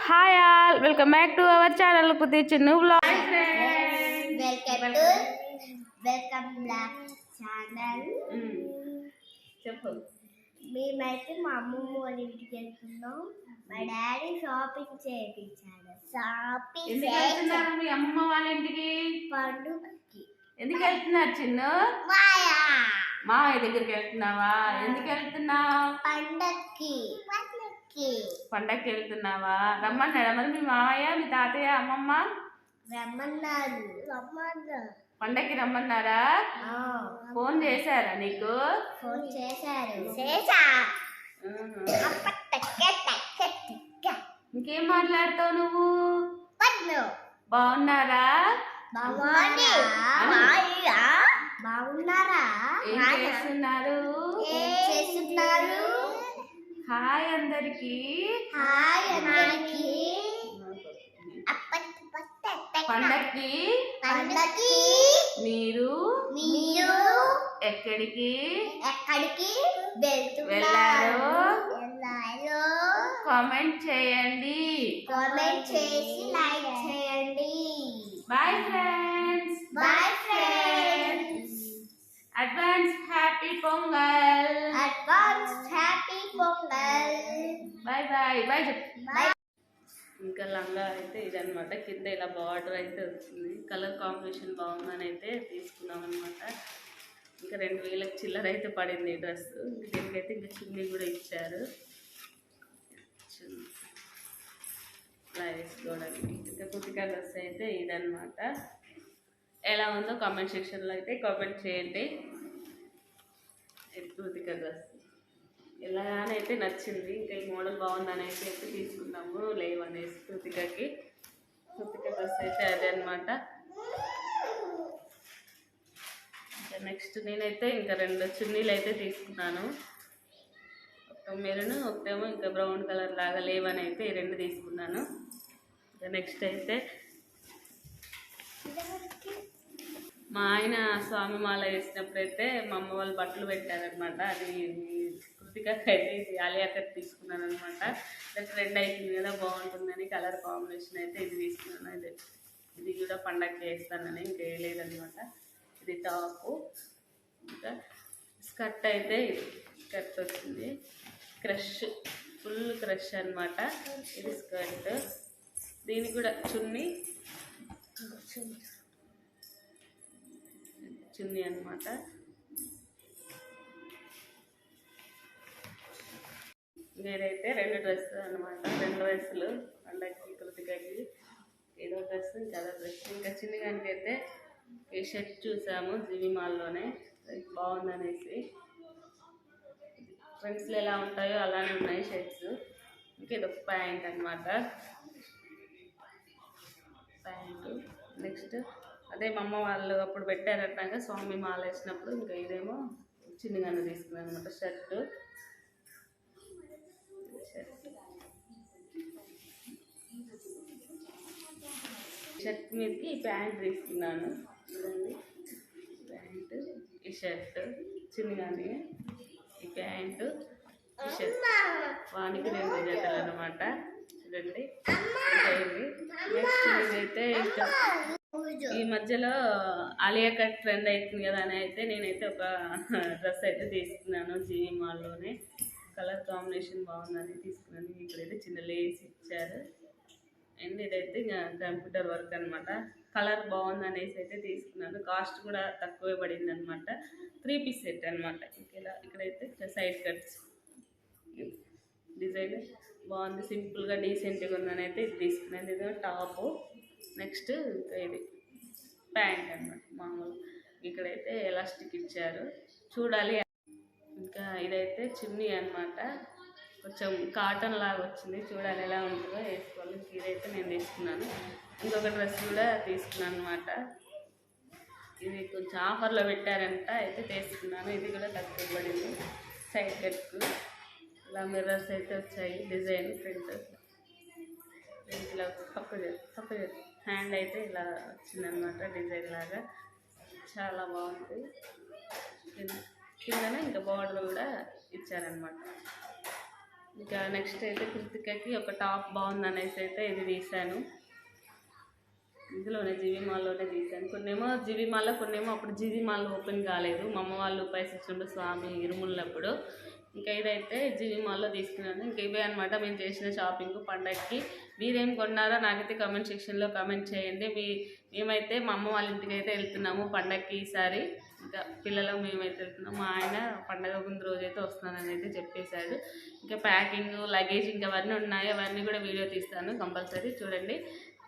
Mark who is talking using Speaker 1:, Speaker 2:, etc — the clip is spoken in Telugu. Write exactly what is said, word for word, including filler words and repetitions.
Speaker 1: Hi all, welcome back to our channel కుతి Chinnu blog.
Speaker 2: Welcome to welcome blog channel.
Speaker 1: చెప్పు.
Speaker 2: మేమైతే మా అమ్మమ్మ వాళ్ళ ఇంటికి వెళ్తున్నాం. మా డాడీ షాపింగ్ చేయించాడు. షాపింగ్
Speaker 1: ఎందుకు వెళ్తున్నారు మీ అమ్మమ్మ వాళ్ళ ఇంటికి?
Speaker 2: పండుగకి.
Speaker 1: ఎందుకు వెళ్తున్నారు చిన్ను?
Speaker 2: మాయా
Speaker 1: మావయ్య దగ్గరికి వెళ్తున్నావా? ఎందుకు వెళ్తున్నావు?
Speaker 2: పండక్కి. పండక్కి
Speaker 1: పండక్కి వెళ్తున్నావా? రమ్మన్నాడా మరి మీ మావయ్య, మీ తాతయ్య, అమ్మమ్మ?
Speaker 2: రమ్మన్నారు. రమ్మన్నారు.
Speaker 1: పండక్కి రమ్మన్నారా? ఫోన్ చేశారా నీకు?
Speaker 2: ఫోన్ చేశారు. చేశా.
Speaker 1: ఇంకేం మాట్లాడతావు నువ్వు?
Speaker 2: బాగున్నారా?
Speaker 1: బాగున్నారా?
Speaker 2: బాగున్నారా?
Speaker 1: ఏం చేస్తున్నారు?
Speaker 2: ఏం చేస్తున్నారు?
Speaker 1: హాయ్ అందరికి.
Speaker 2: హాయ్ అందరికి.
Speaker 1: పండక్కి
Speaker 2: పండక్కి
Speaker 1: మీరు
Speaker 2: మీరు
Speaker 1: ఎక్కడికి
Speaker 2: ఎక్కడికి
Speaker 1: వెళ్ళారు?
Speaker 2: వెళ్ళారు
Speaker 1: కామెంట్ చేయండి.
Speaker 2: కామెంట్ చేసి లైక్ చేయండి.
Speaker 1: Bye friends.
Speaker 2: Bye friends.
Speaker 1: Advance happy Pongal.
Speaker 2: Advance happy Pongal.
Speaker 1: Bye bye. Bye చెప్పు.
Speaker 2: బాయ్.
Speaker 1: ఇంకా లంగా అయితే ఇదనమాట. కింద ఇలా బార్డర్ అయితే వచ్చింది. కలర్ కాంబినేషన్ బాగుందని అయితే తీసుకున్నాం అనమాట. ఇంకా రెండు వేలకు చిల్లర అయితే పడింది ఈ డ్రెస్. దీనికైతే ఇంకా చున్నీ కూడా ఇచ్చారు. ఇలా వేసుకోవడానికి. ఇంకా కుతికా డ్రెస్ అయితే ఇదనమాట. ఎలా ఉందో కామెంట్ సెక్షన్లో అయితే కామెంట్ చేయండి. కుతికా డ్రెస్ ఎలాగైతే నచ్చింది. ఇంకా ఈ మోడల్ బాగుందని అయితే అయితే తీసుకున్నాము. లేవు అనేసి కృతికకి. కృతిక డ్రెస్ అయితే అదే అనమాట. ఇంకా నెక్స్ట్ నేనైతే ఇంకా రెండు చున్నీలు అయితే తీసుకున్నాను. ఒక మెరూన్, ఒకటేమో ఇంకా బ్రౌన్ కలర్ లాగా లేవని అయితే ఈ రెండు తీసుకున్నాను. ఇంకా నెక్స్ట్ అయితే మా ఆయన స్వామి మాల వేసినప్పుడైతే మా అమ్మ వాళ్ళు బట్టలు పెట్టారనమాట. అది కృతికకి అయితే ఇది ఆలియా కట్ తీసుకున్నాను అనమాట. ట్రెండ్ అయిపోయింది కదా, బాగుంటుందని కలర్ కాంబినేషన్ అయితే ఇది తీసుకున్నాను. ఇది ఇది కూడా పండగకి వేస్తానని ఇంకా వేయలేదనమాట. ఇది టాపు. ఇంకా స్కర్ట్ అయితే ఇది స్కర్ట్ వచ్చింది. క్రష్, ఫుల్ క్రష్ అనమాట. ఇది స్కర్ట్. దీనికి కూడా చున్నీ చున్నీ అనమాట. నేనైతే రెండు డ్రెస్సులు అనమాట. రెండు డ్రెస్సులు పండగకి కృతికకి. ఏదో డ్రెస్, ఇంకా డ్రెస్. ఇంకా చిన్నగానికి అయితే ఈ షర్ట్ చూసాము జీవి మాల్లోనే, బాగుందనేసి. ఫ్రెండ్స్లో ఎలా ఉంటాయో అలానే ఉన్నాయి షర్ట్స్. ఇంకేదో ప్యాంట్ అనమాట. ప్యాంటు. నెక్స్ట్ అదే మా అమ్మ వాళ్ళు అప్పుడు పెట్టారన్నాక స్వామి మాల వేసినప్పుడు. ఇంకా ఇదేమో చిన్నగానే తీసుకున్నాను అనమాట. షర్టు షర్ట్ మీదకి ప్యాంట్ తీసుకున్నాను. చూడండి, ప్యాంటు, ఈ షర్ట్ చిన్నగానే, ఈ ప్యాంటు, ఈ షర్ట్. వానికి రెండు జతలు అనమాట. చూడండి. నెక్స్ట్ ఇదైతే ఇంకా ఈ మధ్యలో ఆలియా కట్ ట్రెండ్ అవుతుంది కదా అని అయితే నేనైతే ఒక డ్రెస్ అయితే తీసుకున్నాను జీవి మాల్లోనే. కలర్ కాంబినేషన్ బాగుందని తీసుకున్నాను. ఇక్కడైతే చిన్న లేస్ ఇచ్చారు. అండ్ ఇదైతే ఇంకా కంప్యూటర్ వర్క్ అనమాట. కలర్ బాగుందనేసి అయితే తీసుకున్నాను. కాస్ట్ కూడా తక్కువే పడింది అనమాట. త్రీ పీస్ సెట్ అనమాట. ఇలా ఇక్కడైతే సైడ్ కట్స్ డిజైన్ బాగుంది. సింపుల్గా డీసెంట్గా ఉందని అయితే ఇది తీసుకున్నాను. ఇది టాపు. నెక్స్ట్ ఇంకా ఇది ప్యాంట్ అనమాట మామూలు. ఇక్కడైతే ఎలాస్టిక్ ఇచ్చారు, చూడాలి. ఇంకా ఇదైతే చున్నీ అనమాట. కొంచెం కాటన్ లాగా వచ్చింది, చూడాలి ఎలా ఉంటుందో, వేసుకోవాలి. ఇదైతే నేను తీసుకున్నాను. ఇంకొక డ్రెస్ కూడా తీసుకున్నాను అనమాట. ఇది కొంచెం ఆఫర్లో పెట్టారంట అయితే తీసుకున్నాను. ఇది కూడా తక్కువ పడింది. సైడ్ కట్కు ఇలా మిర్రర్స్ అయితే వచ్చాయి. డిజైన్ ప్రింట్ ఇలా పక్క పక్క హ్యాండ్ అయితే ఇలా వచ్చిందనమాట. డిజైన్ లాగా చాలా బాగుంది. కిందనే ఇంకా బార్డర్ కూడా ఇచ్చారనమాట. ఇంకా నెక్స్ట్ అయితే కృతికకి ఒక టాప్ బాగుంది అనేసి అయితే ఇది తీసాను. ఇందులోనే జీవి మాల్లోనే తీసాను. కొన్నేమో జీవి మాల్లో, కొన్నేమో అప్పుడు జీవి మాల్ ఓపెన్ కాలేదు. మా అమ్మ వాళ్ళు పైసచ్చుండు స్వామి ఇరుములప్పుడు. ఇంకా ఇదైతే జీవి మాల్లో తీసుకున్నాను. ఇంకా ఇవే అనమాట మేము చేసిన షాపింగ్ పండగకి. మీరేం కొన్నారో నాకైతే కామెంట్ సెక్షన్లో కామెంట్ చేయండి. మీ మేమైతే మా అమ్మ వాళ్ళ ఇంటికి అయితే వెళ్తున్నాము పండగకి ఈసారి. ఇంకా పిల్లలు మేమైతే వెళ్తున్నాం. మా ఆయన పండగ ముందు రోజు అయితే వస్తున్నానని అయితే చెప్పేశాడు. ఇంకా ప్యాకింగ్ లగేజ్ ఇంకా అవన్నీ ఉన్నాయి, అవన్నీ కూడా వీడియో తీస్తాను కంపల్సరీ చూడండి.